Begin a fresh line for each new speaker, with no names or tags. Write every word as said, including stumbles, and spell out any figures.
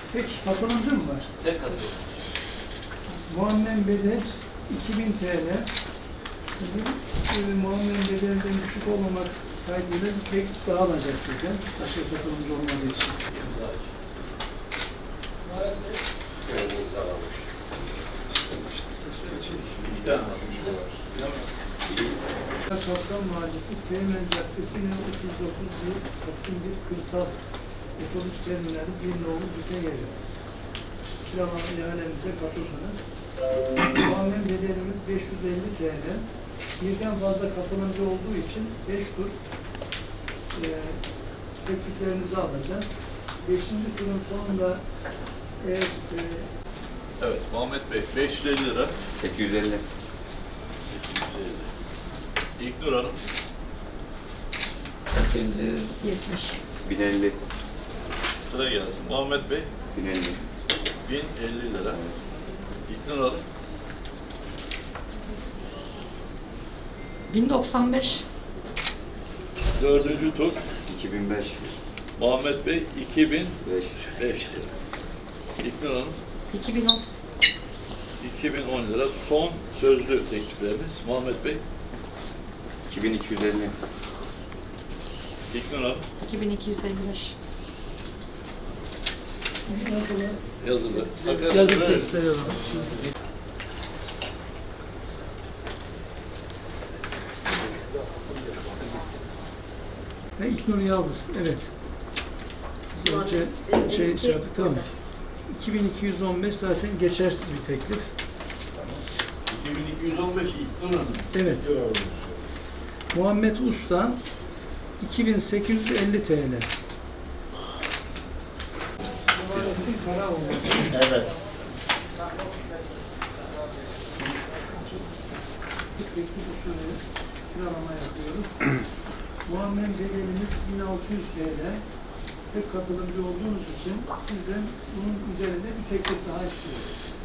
Peki, katılımcı mı var?
Tek katılım.
Muammen bedel iki bin T L. Şimdi, e, muammen bedelinden düşük olmamak kaydıyla bir tek daha alacağız sizden. Başka katılımcı olmadığı için.
Evet, imzalamış. İki tane düşüşü var.
Kaptan Mahallesi, Seymen Caddesi, otuz dokuz yıl, Taksim bir Kırsal Otobüs Terminali bir nolu büte geliyor. Kiralama ihalemize katıldınız. Muammen bedelimiz beş yüz elli T L. Birden fazla katılımcı olduğu için beş tur e, tekliflerinizi alacağız. Beşinci turun sonunda eğer e,
Evet, Muhammed Bey, beş yüz elli lira.
sekiz yüz elli.
sekiz yüz elli. İlknur Hanım,
sekiz yüz yetmiş. bin elli.
sıra gelsin. Muhammed Bey,
bin elli.
bin elli lira. İlknur Hanım,
bin doksan beş.
dördüncü tur.
iki bin beş.
Muhammed Bey, iki bin
beş.
beş lira. İlknur Hanım,
iki bin on.
iki bin on lira. Son sözlü teklifleriniz. Muhammed Bey,
iki bin iki yüz elli.
İlknur Hanım,
iki bin iki yüz elli beş.
yazılı.
yazık
Evet.
teklifleri alalım. Ve İlknur Yaldız, evet. Biz önce şey, şey yaptık, tamam. iki bin iki yüz on beş zaten geçersiz bir teklif.
iki bin iki yüz on beş İlknur Hanım.
Evet. Muhammed Usta iki bin sekiz yüz elli T L.
Evet.
Teklif usulü kiralama yapıyoruz. Muammen bedelimiz bin altı yüz T L. Tek katılımcı olduğunuz için sizden bunun üzerinde bir teklif daha istiyoruz.